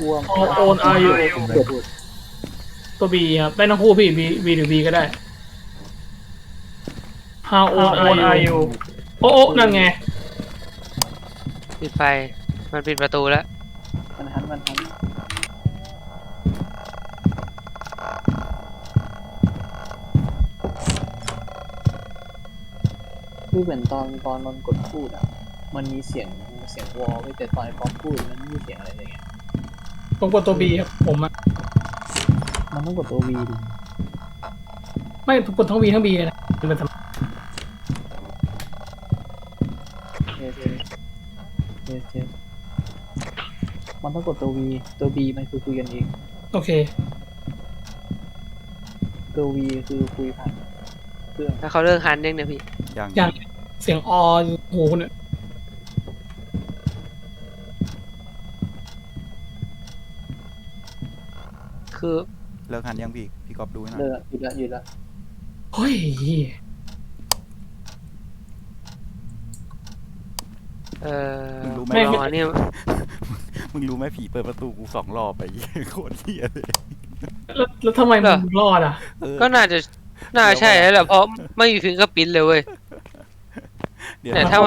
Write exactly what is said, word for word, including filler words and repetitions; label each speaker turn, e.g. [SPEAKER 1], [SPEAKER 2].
[SPEAKER 1] ลัว
[SPEAKER 2] โอโอนอายุ
[SPEAKER 1] เกิดพูด
[SPEAKER 2] ตัวบีครับได้ทั้งคู่พี่ B B หรือ B ก็ได้ How old are you โอ้โอ้นั่นไง
[SPEAKER 3] ปิดไฟมันปิดประตูแล้ว
[SPEAKER 1] มันหันมันหันคือเหมือนตอนตอนมันกดพูดอ่ะมันมีเสียงเสียงวอลไว้แต่ตอนไอ้ป๊อปพูดมันไม่มีเสียงอะไรเลยไง
[SPEAKER 2] ต้องกดตัว B ครับผมอะ
[SPEAKER 1] มันต้องกดตัววีดิ
[SPEAKER 2] ไม่กดทั้ง B ทั้ง B เลยนะมันทำ
[SPEAKER 1] เทสเทสเทสมันต้องกดตัววีตัวบีมันคือคุยกันเอง
[SPEAKER 2] โอเค
[SPEAKER 1] ตัววีคือคุยผ่านเครื่อง
[SPEAKER 3] แล้วเขาเลิกฮันยังเนี่ยพี่
[SPEAKER 4] ยัง
[SPEAKER 2] อย่างเสียงออโหเนี่ย
[SPEAKER 3] คือ
[SPEAKER 4] เลิกหันยังพี่พี่กอบดูให้หน่อย
[SPEAKER 1] เลิกหยุดละหยุดละ
[SPEAKER 2] เฮ้ย
[SPEAKER 3] เออ
[SPEAKER 4] มึงรู้ไหม
[SPEAKER 2] ไม่
[SPEAKER 3] อ๋
[SPEAKER 4] ว่า
[SPEAKER 3] อเนี่ย
[SPEAKER 4] มึงรู้ไหมผีเปิดประตูกูสองรอบไปโคตรเหี้ยเลย
[SPEAKER 2] แล้วแล้วทำไมมึงรอดอ่ะ
[SPEAKER 4] เออ
[SPEAKER 3] ก็น่าจะน่าใช่แล้วแหละเพราะไม่มีฟิงเกอร์พิ้นเลยเว้ย
[SPEAKER 4] เดี๋ยว
[SPEAKER 3] เนี่ยถ้า